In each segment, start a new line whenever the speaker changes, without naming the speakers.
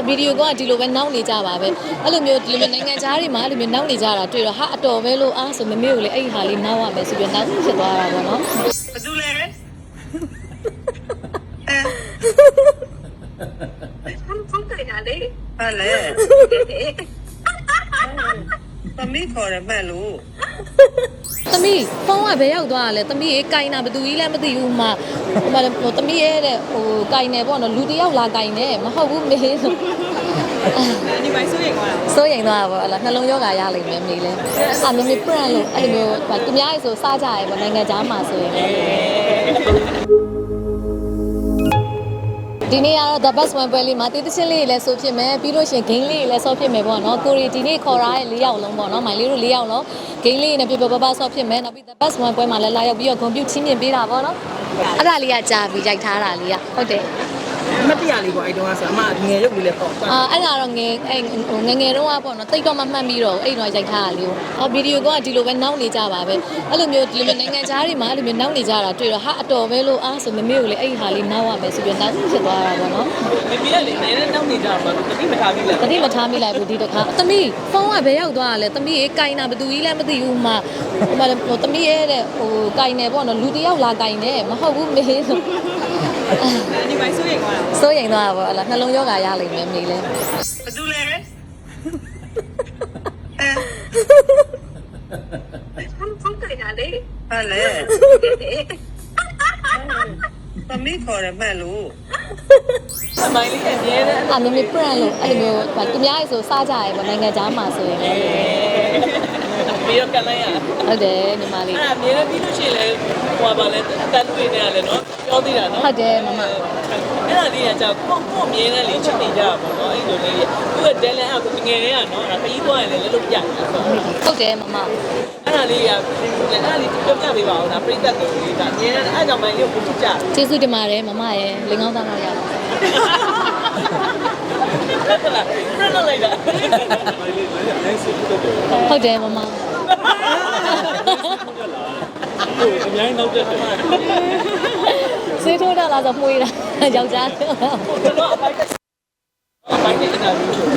ဗီဒီယိုကဒီလိုပဲနောက်နေကြပါပဲအဲ့လိုမျိုးဒီလိုမျိုးနိုင်ငံခြားတွေမှာအဲ့လိုမျိုးနောက်နေကြတာတွေ့တော့ဟာအတော်ပဲလို့အားဆိုမမေကိုလေအဲ့ဒီဟာလေးနောက်ရမယ်ဆိုပြီးနောက်ဖြစ်သွားတာပေါ့နော်
ဘာတူလဲဖုန်းကြိုင်တာလေဟာလေသမီးခေါ်ရမဲ့လို့
သမီးဖုန်းကဘယ်ရောက်သွားလဲသမီးရေကင်တာဘသူကြီးလည်းမသိဘူးမှဟိုသမီးရဲ့တဲ့ဟိုကင်နေပေါ့နော်လူတယောက်လာကင်နေမဟုတ်ဘူးမေးဆို
ဒီပိုင်းစိုးရိမ်သွားတာ
စိုးရိမ်သွားတာပေါ့အဲ့လားနှလုံးယောဂါရလိမ့်မယ်မေးလဲအာမမေ brand လို့အဲ့လိုမျိုးသူများရေဆိုစားကြရဲပေါ့နိုင်ငံခြားမှာဆိုရင်ဒီနေ့ကတော့ the best one ပွဲလေးမှာတေးသချင်းလေးလည်းဆိုဖြစ်မယ်ပြီးလို့ရှိရင် game လေးလည်းဆော့ဖြစ်မယ်ပေါ့နော်ကိုရီဒီနေ့ခေါ်ထားတဲ့၄ယောက်လုံးပေါ့နော်မိုင်လေးတို့၄ယောက်လုံး game လေးနဲ့ပြပြပပဆော့ဖြစ်မယ်နောက်ပြီး the best one ပွဲမှာလည်းလာရောက်ပြီးတော့ဂုဏ်ပြုချင်းမြင်ပေးတာပေါ့နော်အဲ့ဒါလေးကကြာပြီးရိုက်ထားတာလေးကဟုတ်တယ်
မတရားလေးပေါ့အဲ့တုန်းကဆိုအမငယ်ရုပ်လေးလည်းပေါ့
အဲ့ဒါတော့ငယ်ငယ်တုန်းကပေါ့နော်တိတ်တော့မှတ်ပြီးတော့အဲ့တော့ရိုက်ထားတာလေးကိုဗီဒီယိုကဒီလိုပဲနောက်နေကြပါပဲအဲ့လိုမျိုးဒီလိုနိုင်ငံခြားတွေမှာအဲ့လိုမျိုးနောက်နေကြတာတွေ့တော့ဟာအတော်ပဲလို့အားဆိုမမေကိုလေအဲ့ဒီဟာလေးနောက်ရမယ်ဆိုပြီးနောက်ဖြစ်သွားတာပေါ့နော်
မမေကလေနည်းနည်းနောက်နေကြပါတော့တတိမထားမိလိုက်
တတိမထားမိလိုက်ဘူးဒီတစ်ခါသမီးဖုန်းကဘယ်ရောက်သွားလဲသမီးရေကင်တာဘသူကြီးလည်းမသိဘူးမှဟိုသမီးရဲ့တဲ့ဟိုကင်နေပေါ့နော်လူတယောက်လာကင်နေမဟုတ်ဘူးမေးဆို
ဒီပိုင်းစိုးရိမ်သွားတာ
စိုးရိမ်သွားတာပေါ့အဲ့လားနှလုံးယောဂါရလိမ့်မယ်မေးလဲ
ဘာတူလဲဖုန်းကြိုင်တာလေဟာလေသမီးခေါ်ရမဲ့လို့
အမိုင်းလေးအမြဲတမ်း
အာမမေ brand လို့အဲ့လိုမျိုးသူများရေဆိုစားကြရဲပေါ့နိုင်ငံခြားမှာဆိုရင်
ပြီးတော့ကန်လိုက်ရ
ဟုတ်တယ်ညီမလေး
အဲ့အမြဲတမ်းပြီးလို့ရှိရင်လေဟိုပါလဲအတန်တွေနေရလဲနော်ပြောသေးတာနော်
ဟုတ်တယ်မမ
အဲ့ဒါလေးကကြောက်ကိုအမြဲတမ်းလေးချစ်နေကြတာပေါ့နော်အဲ့လိုလေးသူ့ရဲ့ talent အကူငယ်တွေကနော်ခရီးသွားရင်လည်းလုပ်ပြတယ်ဆို
ဟုတ်တယ်မမ
အဲ့ဒါလေးကအဲ့ဒါလေးပြောပြပေးပါဦးနော်ပြိတ္တတို့လေးဒါအမြဲတမ်းအဲ့ကြောင့်မှလေးကိုချစ်ကြ
ကျေးဇူးတင်ပါတယ်မမရဲ့လင်ကောင်းသားတော့ရပါ
ဟုတ်လားပြတ်လိုက်တာ
ဟုတ်တယ်မမ
အများကြီးနောက်တက်တယ်
စေးထိုးတာလားဆိုမှုရတာယောက်ျား
တော့အပိုင်းနေတာမျိုး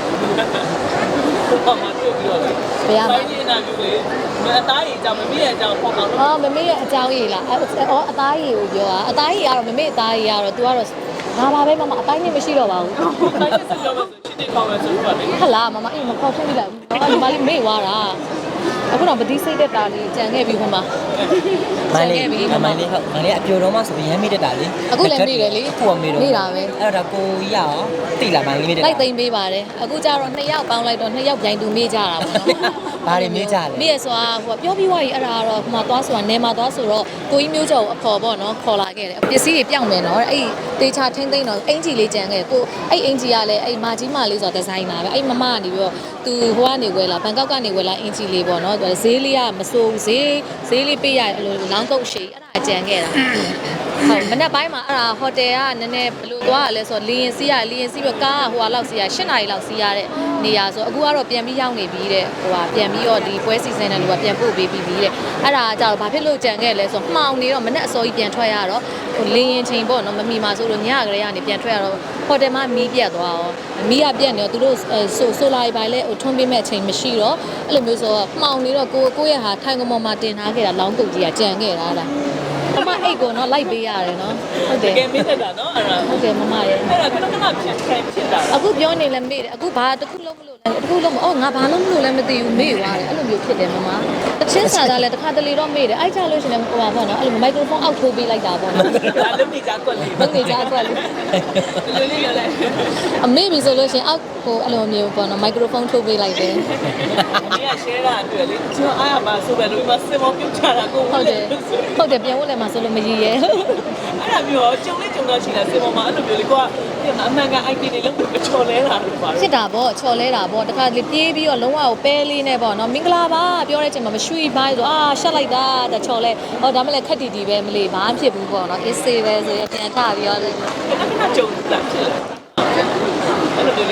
ဘာမှတွေ့ပြီးတော့ဘယ်အပိုင်းနေတာမျိုးလေအသားရည်ကြောင့်မမေ့ရဲ့အကြောင်းပေါ့နော်
မမေ့ရဲ့အကြောင်းကြီးလားအသားရည်ကိုပြောတာအသားရည်ကတော့မမေ့အသားရည်ကတော့ तू ကတော့ငါပါပဲမမအပိုင်းနဲ့မရှိတော့ပါဘူး
အပိုင်းနဲ့ဆက်ပြောမယ်ဆိုချစ်တဲ့ကောင်းမယ်ဆိုတော့လေ
ဟလာမမအေးမခေါ်ဖြစ်မိလိုက်ဘူးညီမလေးမေ့သွားတာအခုတော့ပတိစိတ်တက်တာလေးကြံခဲ့ပြီဟိုမှာ
မိုင်းလေးမိုင်းလေးဟုတ်မိုင်းလေးအပြိုတော့မှဆိုရင်ရမ်းမိတက်တာလေ
အခုလည်းမေ့တယ်လေ
ကိုကမေ့တော့
မေ့တာပဲ
အဲ့တော့ကိုကြီးရအောင်တိလာမိုင်းလေးမေ့တက်
လိုက်သိမ့်ပေးပါတယ်အခုကျတော့2ယောက်ပေါင်းလိုက်တော့2ယောက်ပြိုင်သူမေ့ကြတာပေါ့နော်
ဘာတွေမေ့ကြလဲ
မေ့ရဆိုတာဟိုပြောပြီးွားကြီးအဲ့ဒါကတော့ဟိုမှာသွားဆိုတာနေမှာသွားဆိုတော့ကိုကြီးမျိုးကျော်ကိုအခေါ်ပေါ့နော်ခေါ်လာခဲ့တယ်ပစ္စည်းတွေပြောင်းမယ်နော်အဲ့တေချာထင်းသိမ့်တော့အင်ဂျီလေးကြံခဲ့ကိုအဲ့အင်ဂျီကလည်းအဲ့မာကြီးမာလေးဆိုတာဒီဇိုင်နာပဲအဲ့မမကနေပြီးတော့သူဟိုကနေဝယ်လာဘန်ကောက်ကနေဝယ်လာအင်ဂျီလေးပေါ့နော်ဈေးလေးကမစိုးဈေးလေးပေးရအဲ့လိုလောင်းကုတ်ရှိအဲ့ဒါကြံခဲ့တာဟုတ်မနေ့ပိုင်းမှာအဲ့ဒါဟိုတယ်ကနည်းနည်းဘယ်လိုသွားရလဲဆိုတော့လီရင်စီးပြီးကားကဟိုဟာလောက်စီးရ8နာရီလောက်စီးရတဲ့နေရာဆိုအခုကတော့ပြန်ပြီးရောက်နေပြီတဲ့ဟိုဟာပြန်ပြီးတော့ဒီပွဲစီစဉ်တဲ့လူကပြန်ပို့ပေးပြီးပြီတဲ့အဲ့ဒါကြတော့ဘာဖြစ်လို့ကြံခဲ့လဲဆိုတော့မှောင်နေတော့မနေ့အစောကြီးပြန်ထွက်ရတော့ဟိုလင်းရင်ချိန်ပေါ့နော်မမီမှာဆိုလို့ညကလေးကနေပြန်ထွက်ရတော့ဟိုတယ်မှာမီးပြတ်သွားရောမီးကပြတ်နေတော့သူတို့ဆိုလာပိုင်းလဲဟိုထွန်းပေးမဲ့အချိန်မရှိတော့အဲ့လိုမျိုးဆိုတော့မှောင်နေတော့ကိုရဲ့ဟာထိုင်ကမော်မှာတင်ထားခဲ့တာလောင်းတုတ်ကြီးကကြံခဲ့တာလားမမအိတ်ကိုနော်လိုက်ပေးရတယ်နော်ဟုတ်တယ်
တကယ်မေ့တတ်တာနော်အဲ့ဒါ
ဟုတ်တယ်မမရဲ့
အဲ့ဒါခဏဖြစ်တာ
အခုပြောနေလဲမေ့တယ်အခုဘာတစ်ခုလုံးမလို့လဲတစ်ခုလုံးမအော်ငါဘာလုံးမလို့လဲမသိဘူးမေ့သွားတယ်အဲ့လိုမျိုးဖြစ်တယ်မမတချင်းစာသားလဲတစ်ခါတလေတော့မေ့တယ်အဲ့ကြလို့ရှင်လဲဟိုပါပေါ့နော်အဲ့လိုမိုက်ခရိုဖုန်းအောက်ထိုးပေးလိုက်တာပေါ့နော်
ဒါလုံးနေကြကွက်လေး
လုံးနေကြကွက်လေး
လေးရလိုက်
အမေပြီဆိုလို့ရှင်အောက်ဟိုအဲ့လိုမျိုးပေါ့နော်မိုက်ခရိုဖုန်းထိုးပေးလိုက်တယ်
အမေက share တာတွေ့လေကျွန်တော်အားရပါဆိုပဲလို့ဒီမှာစင်မောပြုတ်ချတာကို
ဟုတ်တယ်ပြန်ဝင်လဲမှာဆိုလို့မရည်ရဲ
အဲ့ဒါမျိုးကြုံတော့ရှိလားစင်မောမှာအဲ့လိုမျိုးလေကိုကအမှန်ကန် IP တွေလုံးဝချော်လဲတာလို့ပါ
ဖြစ်တာပေါ့ချော်လဲတာပေါ့တခါလေပြေးပြီးတော့လုံးဝကိုပဲလေးနဲ့ပေါ့နော်မင်္ဂလာပါပြောတဲ့အချိန်မှာမရွှေ့ပါဆိုရှက်လိုက်တာတချော်လဲဟောဒါမှလည်းခက်တီတီပဲမလေးဘာမှဖြစ်ဘူးပေါ့နော်အေးစေးပဲဆိုရင်ပြန်ထပြီးတော့
ခဏကြုံလာဖြစ်လာအဲ့လိုမျိုးလေး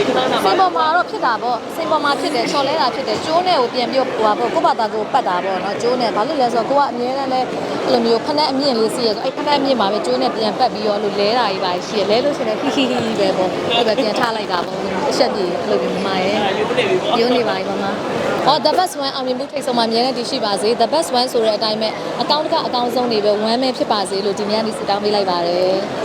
ခဏနာ
စိန်ပေါ်မှာတော့ဖြစ်တာပေါ့စိန်ပေါ်မှာဖြစ်တယ်ချော်လဲတာဖြစ်တယ်ကျိုးနဲ့ကိုပြန်ပြီးဟိုပါပေါ့ကိုယ့်ဘာသာကိုပတ်တာပေါ့နော်ကျိုးနဲ့ဘာလို့လဲဆိုတော့ကိုကအမြဲတမ်းလဲအဲ့လိုမျိုးဖက်နဲ့အမြင့်လေးစီးရဆိုအဲ့ဖက်နဲ့အမြင့်မှာပဲကျိုးနဲ့ပြန်ပတ်ပြီးတော့လို့လဲတာကြီးပါရှိရလဲလို့ရှိရင်ဟီဟီဟီပဲပေါ့အဲ့ပဲပြန်ထားလိုက်တာပေါ့အချက်ကြီးအဲ့လိုမျိုးမမရဲ့
ယူနေပြီပေါ့
ရုံးနေပါပြီမမ။အော် the best one အောင်မြင်မှုထိတ်ဆုံးမှာအများနဲ့တည်ရှိပါစေ the best one ဆိုတဲ့အတိုင်းပဲအကောင့်တစ်ခါအကောင့်ဆုံးနေပဲ1မဲဖြစ်ပါစေလို့ဒီနေ့ကနေစတောင်းပေးလိုက်ပါတယ်။